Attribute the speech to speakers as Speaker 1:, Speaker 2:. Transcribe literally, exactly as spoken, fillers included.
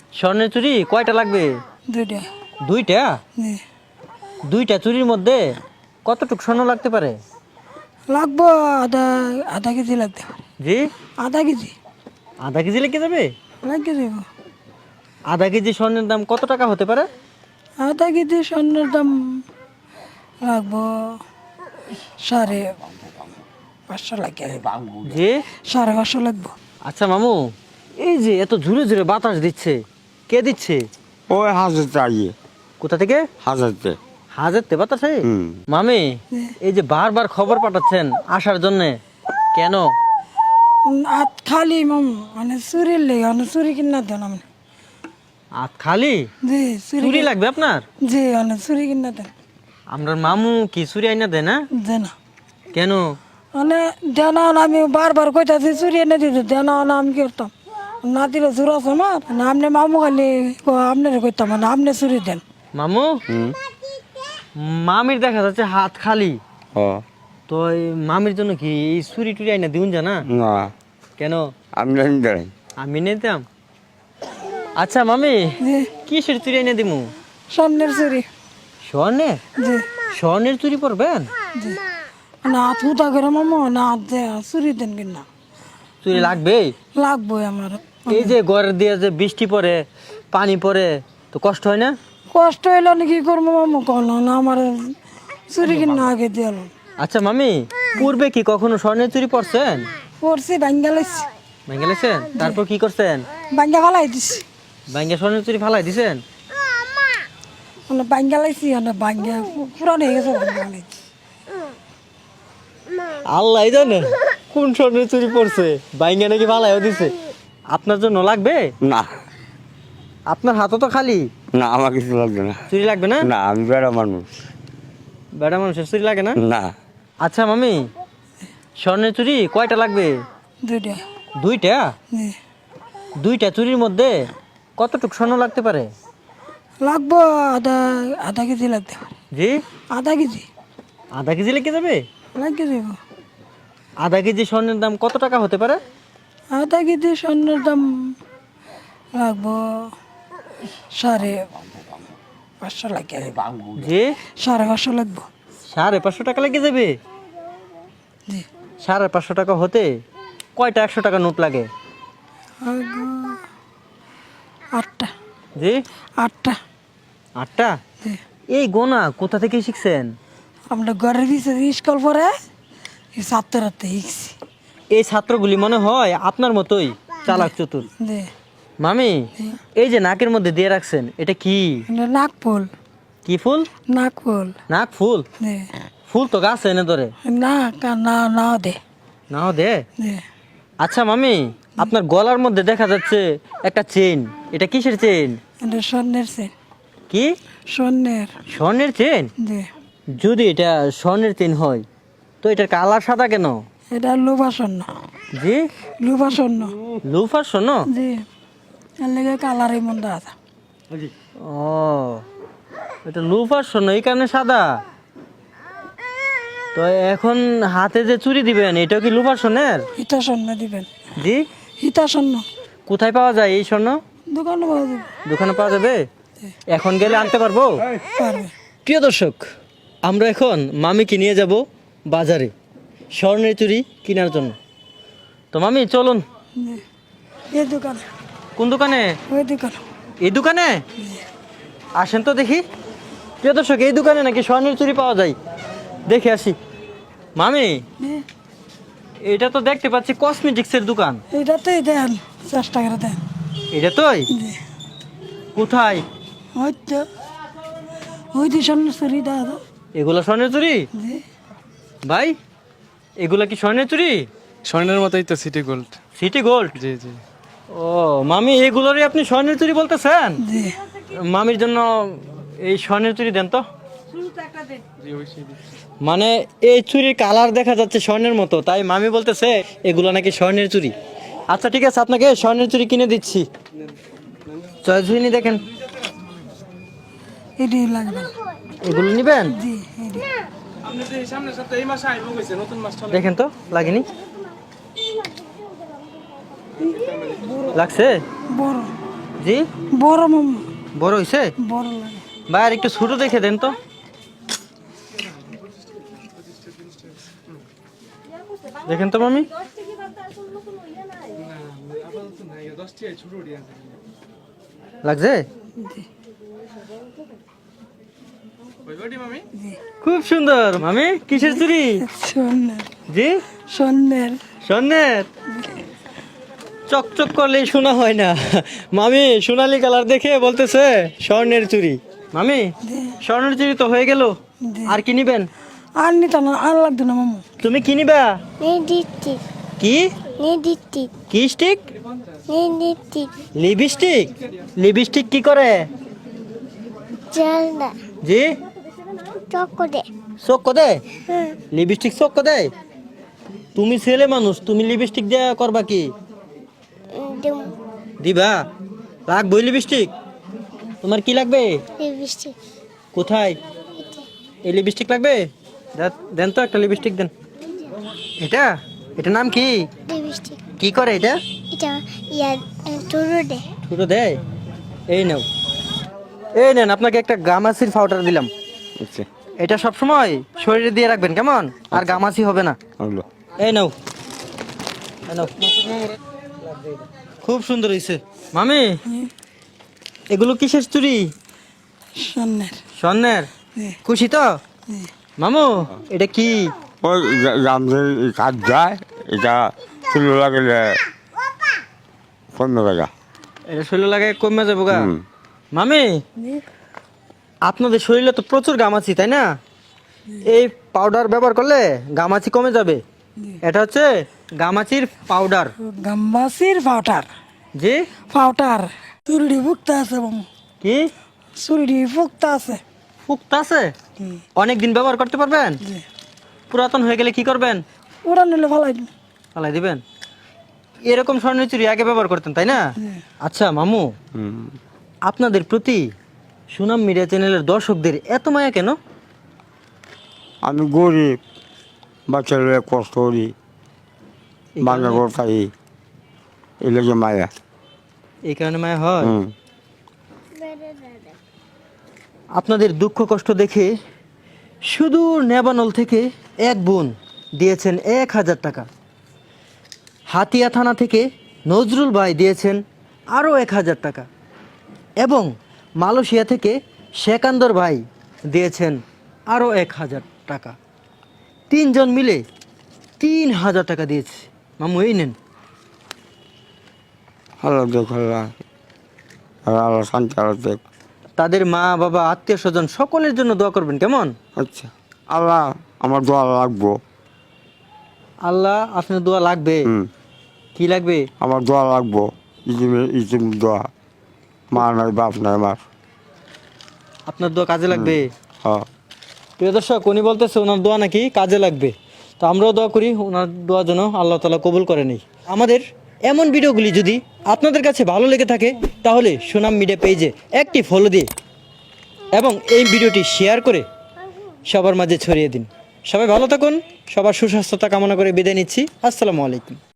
Speaker 1: স্বর্ণের চুড়ি কয়টা লাগবে?
Speaker 2: দুইটা।
Speaker 1: দুইটা?
Speaker 2: জি।
Speaker 1: দুইটা চুরির মধ্যে কতটুকু স্বর্ণ লাগতে পারে?
Speaker 2: লাগবো আধা আধা কেজি লাগতে পারে।
Speaker 1: জি,
Speaker 2: আধা কেজি
Speaker 1: আধা কেজি লেগে যাবে?
Speaker 2: লাগিয়ে দেব।
Speaker 1: আধা কেজি স্বর্ণের দাম কত টাকা হতে পারে?
Speaker 2: আধা কেজি স্বর্ণের দাম লাগবো সাড়ে পাঁচশো লাগে।
Speaker 1: জি।
Speaker 2: সাড়ে পাঁচশো লাগবো।
Speaker 1: আচ্ছা মামু, এই যে এত ঝুরে ঝুরে বাতাস দিচ্ছে, কে দিচ্ছে?
Speaker 3: ওই হাজারতে আইয়ে
Speaker 1: কোথা থেকে?
Speaker 3: হাজারতে।
Speaker 1: হাজারতে বাতাসে?
Speaker 3: হুম।
Speaker 1: মামি, এই যে বারবার খবর পাঠাচ্ছেন আসার জন্য, কেন?
Speaker 2: হাত খালি মাম মানে চুরির লেগে মানে চুরি কিনা দেন আমি।
Speaker 1: আত খালি?
Speaker 2: জি চুরি
Speaker 1: চুরি লাগবে আপনার?
Speaker 2: জি মানে চুরি কিনা দেন।
Speaker 1: আমরা মামু কি চুরি আইনা দেয় না?
Speaker 2: যে না
Speaker 1: কেন?
Speaker 2: মানে দেনা আমি বারবার কইতাছি চুরি এনে দিতে দেনা আমি কি করতাম না দিলে জোর আছে আমার না আপনি মামু খালি আপনার কইতাম মানে আপনি চুরি দেন।
Speaker 1: মামু,
Speaker 3: হুম।
Speaker 1: মামির দেখা যাচ্ছে হাত খালি,
Speaker 3: ও
Speaker 1: তো এই মামির জন্য কি এই চুরি টুরি আইনা দিউন জানা?
Speaker 3: না
Speaker 1: কেন?
Speaker 3: আমি জানি দাঁড়াই।
Speaker 1: আমি নিতাম। আচ্ছা মামি,
Speaker 2: জি
Speaker 1: কিসের চুরি আইনা দিমু?
Speaker 2: স্বর্ণের চুরি।
Speaker 1: স্বর্ণের?
Speaker 2: জি
Speaker 1: স্বর্ণের চুরি পরবেন?
Speaker 2: জি না হাত হুতা করে মামু না হাত দে চুরি দেন কিনা
Speaker 1: চুরি লাগবেই।
Speaker 2: লাগবো আমার।
Speaker 1: এই যে ঘরের দিয়ে যে বৃষ্টি পড়ে, পানি পড়ে, তো কষ্ট হয় না?
Speaker 2: কষ্ট হইলো না কি করবো মামু কল না আমার চুরি কিনা আগে দিয়ে
Speaker 1: আচ্ছা মামি, পূর্বে কি কখনো স্বর্ণের চুরি পরছেন?
Speaker 2: পড়ছি ভাঙ্গা লাইছি
Speaker 1: ভেঙে গেছেন? তারপর কি করছেন?
Speaker 2: ভাঙ্গা ফালাই দিছি
Speaker 1: ভাঙ্গা স্বর্ণের চুরি ফালাই দিছেন?
Speaker 2: মানে ভাঙ্গা লাইছি মানে ভাঙ্গা পুরান হয়ে গেছে ভাঙ্গা লাইছি।
Speaker 1: আল্লাহ জানে কোন স্বর্ণের চুরি পড়ছে, ভাঙ্গা নাকি ফালাইও দিছে। আপনার জন্য লাগবে?
Speaker 3: না
Speaker 1: আপনার হাতও তো খালি।
Speaker 3: না আমার কিছু লাগবে না।
Speaker 1: চুরি লাগবে না?
Speaker 3: না আমি বেড়া মানুষ।
Speaker 1: বেড়া মানুষের চুরি লাগে না?
Speaker 3: না
Speaker 1: আচ্ছা মামি, স্বর্ণের চুরি কয়টা লাগবে?
Speaker 2: দুইটা।
Speaker 1: দুইটা?
Speaker 2: জি
Speaker 1: দুইটা চুরির মধ্যে কতটুকু স্বর্ণ লাগতে পারে?
Speaker 2: লাগবো আধা আধা কেজি লাগতে পারে।
Speaker 1: জি,
Speaker 2: আধা কেজি
Speaker 1: আধা কেজি লেগে যাবে?
Speaker 2: লাগিয়ে দেব।
Speaker 1: আধা কেজি স্বর্ণের দাম কত টাকা হতে পারে?
Speaker 2: আধা কেজি স্বর্ণের দাম লাগবো সাড়ে পাঁচশো লাগে।
Speaker 1: জি,
Speaker 2: সাড়ে পাঁচশো লাগবো।
Speaker 1: সাড়ে পাঁচশো টাকা লেগে যাবে?
Speaker 2: জি
Speaker 1: সাড়ে পাঁচশো টাকা হতে কয়টা একশো টাকা নোট লাগে?
Speaker 2: লাগবো আটটা।
Speaker 1: জি,
Speaker 2: আটটা।
Speaker 1: আটটা?
Speaker 2: জি
Speaker 1: এই গোনা কোথা থেকে শিখছেন?
Speaker 2: আমরা ঘরের পিছনে স্কুল পরে এই ছাত্র রাতে শিখছি।
Speaker 1: এই ছাত্রগুলি মনে হয় আপনার মতোই চালাক চতুর।
Speaker 2: জি
Speaker 1: মামি, এই যে নাকের মধ্যে দিয়ে রাখছেন, এটা কি?
Speaker 2: নাক ফুল।
Speaker 1: কি ফুল?
Speaker 2: নাক ফুল।
Speaker 1: নাক ফুল?
Speaker 2: জি
Speaker 1: ফুল তো গাছ এনে ধরে।
Speaker 2: না কা- না নাও দে।
Speaker 1: নাও দে।
Speaker 2: জি
Speaker 1: আচ্ছা মামি, আপনার গলার মধ্যে দেখা যাচ্ছে একটা চেন, এটা কিসের চেন?
Speaker 2: এটা স্বর্ণের চেন।
Speaker 1: কি?
Speaker 2: স্বর্ণের।
Speaker 1: স্বর্ণের চেন?
Speaker 2: জি
Speaker 1: যদি এটা স্বর্ণের চেন হয়, তো এটার কালার সাদা কেন?
Speaker 2: এটা লোভা স্বর্ণ।
Speaker 1: জি,
Speaker 2: লোভা স্বর্ণ।
Speaker 1: লুফার স্বর্ণ?
Speaker 2: জি এর লেগে কালারই মন্দ আছে।
Speaker 1: ও, এটা লুফার স্বর্ণ, এই কারণে সাদা। তো এখন হাতে যে চুরি দিবেন, এটাও কি লুফার স্বর্ণের?
Speaker 2: হিতা স্বর্ণ দিবেন।
Speaker 1: জি।
Speaker 2: হিতা স্বর্ণ
Speaker 1: কোথায় পাওয়া যায় এই স্বর্ণ?
Speaker 2: দোকানে পাওয়া যাবে।
Speaker 1: দোকানে পাওয়া যাবে? এখন গেলে আনতে পারবো?
Speaker 2: পারবে।
Speaker 1: প্রিয় দর্শক, আমরা এখন মামিকে নিয়ে যাব বাজারে স্বর্ণের চুরি কেনার জন্য। তো মামি চলুন।
Speaker 2: জি এই দোকানে।
Speaker 1: কোন দোকানে?
Speaker 2: ওই দোকানে।
Speaker 1: এই দোকানে? আসেন তো দেখি। প্রিয় দর্শক, এই দোকানে নাকি স্বর্ণের চুরি পাওয়া যায়, দেখে আসি। মামি,
Speaker 2: জি
Speaker 1: এটা তো দেখতে পাচ্ছি কসমেটিক্সের দোকান।
Speaker 2: এইটাতেই দেন চেষ্টা করে দেন।
Speaker 1: এটা তোই?
Speaker 2: জি
Speaker 1: কোথায়?
Speaker 2: ওই তো ওই যে স্বর্ণ চুরি দাদা।
Speaker 1: এগুলা স্বর্ণের চুরি?
Speaker 2: জি
Speaker 1: ভাই, এগুলা কি স্বর্ণের চুরি?
Speaker 4: স্বর্ণের মতোই তো সিটি গোল্ড।
Speaker 1: City gold?
Speaker 4: জি জি
Speaker 1: ও মামি, এগুলোরই আপনি স্বর্ণের চুরি বলতেছেন?
Speaker 2: জি
Speaker 1: মামির জন্য এই স্বর্ণের চুরি দেন তো।
Speaker 4: জি অবশ্যই দিচ্ছি।
Speaker 1: মানে এই চুরির কালার দেখা যাচ্ছে স্বর্ণের মতো, তাই মামি বলতেছে এগুলো নাকি স্বর্ণের চুরি। আচ্ছা ঠিক আছে, আপনাকে স্বর্ণের চুরি কিনে দিচ্ছি। চয়েস হয়নি, দেখেন
Speaker 2: এটি লাগবে।
Speaker 1: এগুলো নিবেন?
Speaker 2: জি এটি
Speaker 4: আপনি যে সামনের সপ্তাহে এই মাসে আইবো কইছে নতুন মাস চলে।
Speaker 1: দেখেন তো, লাগেনি? লাগছে?
Speaker 2: বড়
Speaker 1: জি
Speaker 2: বড় মামা
Speaker 1: বড় হইছে
Speaker 2: বড় লাগে
Speaker 1: ভাই আর একটু ছোট দেখে দেন তো দেখেন তো মামি
Speaker 4: আপাতত নাই দশ টাকা ছোট দিয়ে আছে
Speaker 1: লাগছে
Speaker 4: ওই বাড়ি মামি
Speaker 1: খুব সুন্দর মামি কিসের চুরি
Speaker 2: স্বর্ণের
Speaker 1: জি
Speaker 2: স্বর্ণের
Speaker 1: স্বর্ণের চকচক করলে শোনা হয় না মামি সোনালী কালার দেখে বলতেছে স্বর্ণের চুরি মামি স্বর্ণের চুরি তো হয়ে গেল আর কি নিবেন
Speaker 2: আর নিতাম না আর লাগতো না মামু
Speaker 1: তুমি কি নিবা
Speaker 5: Neditik,
Speaker 1: কি
Speaker 5: neditik,
Speaker 1: কি স্টিক
Speaker 5: neditik,
Speaker 1: লিপস্টিক লিপস্টিক কি করে
Speaker 5: jalda,
Speaker 1: জি
Speaker 5: চকোদে,
Speaker 1: চোখ দেয়
Speaker 5: হুম,
Speaker 1: লিপস্টিক চোখ দেয় তুমি ছেলে মানুষ তুমি লিপস্টিক দেয়া করবা কি
Speaker 5: দুম,
Speaker 1: দিবা লাগবই লিপস্টিক তোমার কি লাগবে
Speaker 5: লিপস্টিক,
Speaker 1: কোথায় এই লিপস্টিক লাগবে দে- দেন তো একটা লিপস্টিক দেন এটা এটা নাম কি
Speaker 5: লিপস্টিক,
Speaker 1: কি করে এটা
Speaker 5: এটা ইয়া টুরুডে,
Speaker 1: ছোট দেয় এই নাও এই নেন আপনাকে একটা গামাসির পাউডার দিলাম
Speaker 3: আচ্ছা
Speaker 1: এটা সব সময় শরীরে দিয়ে রাখবেন কেমন আর গামাসি হবে না
Speaker 3: হলো
Speaker 1: এই নাও এই নাও খুব সুন্দর হয়েছে মামি এগুলো কিসের চুরি
Speaker 2: স্বর্ণের
Speaker 1: স্বর্ণের
Speaker 2: জি।
Speaker 1: খুশি তো
Speaker 2: জি।
Speaker 1: মামু এটা কি
Speaker 3: ওই রামদের কাজ যায় এটা চুলো লাগলে কমে গেছে
Speaker 1: এটা শরীরে লাগে কমে যাবো গা
Speaker 3: হুম।
Speaker 1: মামি আপনাদের শরীরে তো প্রচুর গামাচি তাই না এই পাউডার ব্যবহার করলে গামাচি কমে যাবে এটা হচ্ছে গামাচির পাউডার
Speaker 2: গাম্বাসির পাউডার
Speaker 1: জি
Speaker 2: পাউডার চুরিডি ফুকতে আছে মামু
Speaker 1: কি
Speaker 2: চুরিডি ফুকতে আছে
Speaker 1: ফুক্ত আছে
Speaker 2: হুম,
Speaker 1: অনেক দিন ব্যবহার করতে পারবেন
Speaker 2: জি।
Speaker 1: পুরাতন হয়ে গেলে কি করবেন
Speaker 2: ওরা নিলে ভালো হয়।
Speaker 1: ফালাই দিবেন এরকম স্বর্ণের চুরি আগে ব্যবহার করতেন তাই না
Speaker 2: জি।
Speaker 1: আচ্ছা মামু
Speaker 3: হুম।
Speaker 1: আপনাদের প্রতি সুনাম মিডিয়া চ্যানেলের দর্শকদের এত মায়া কেন
Speaker 3: আমি গরিব বাচ্চারা কষ্ট করি বাংলা ঘর খাই এই লাগে মায়া
Speaker 1: এই কারণে মায়া হয়
Speaker 3: হুম
Speaker 1: আপনাদের দুঃখ কষ্ট দেখে সুদূর নেবানল থেকে এক বোন দিয়েছেন এক হাজার টাকা হাতিয়া থানা থেকে নজরুল ভাই দিয়েছেন আরও এক হাজার টাকা এবং মালয়েশিয়া থেকে শেকান্দর ভাই দিয়েছেন আরও এক হাজার টাকা তিনজন মিলে তিন হাজার টাকা দিয়েছে মামু এই নেন
Speaker 3: আল্লাহ দেখ আল্লাহ আল্লাহ শান্তি আল্লাহ দেখ
Speaker 1: তাদের মা বাবা আত্মীয় স্বজন সকলের জন্য দোয়া করবেন কেমন
Speaker 3: আচ্ছা আল্লাহ আমার দোয়া লাগবো
Speaker 1: আল্লাহ আপনার দোয়া লাগবে
Speaker 3: হুম
Speaker 1: কি লাগবে
Speaker 3: আমার দোয়া লাগবো ইজিমের ইজিম দোয়া মা নাই বাপ নাই আমার
Speaker 1: আপনার দোয়া কাজে লাগবে
Speaker 3: হ্যাঁ
Speaker 1: প্রিয় দর্শক উনি বলতেছে ওনার দোয়া নাকি কাজে লাগবে তো আমরাও দোয়া করি ওনার দোয়া যেন আল্লাহ তালা কবুল করে নেই আমাদের এমন ভিডিওগুলি যদি আপনাদের কাছে ভালো লেগে থাকে তাহলে সুনাম মিডিয়া পেজে একটি ফলো দিয়ে এবং এই ভিডিওটি শেয়ার করে সবার মাঝে ছড়িয়ে দিন সবাই ভালো থাকুন সবার সুস্বাস্থ্যতা কামনা করে বিদায় নিচ্ছি আসসালামু আলাইকুম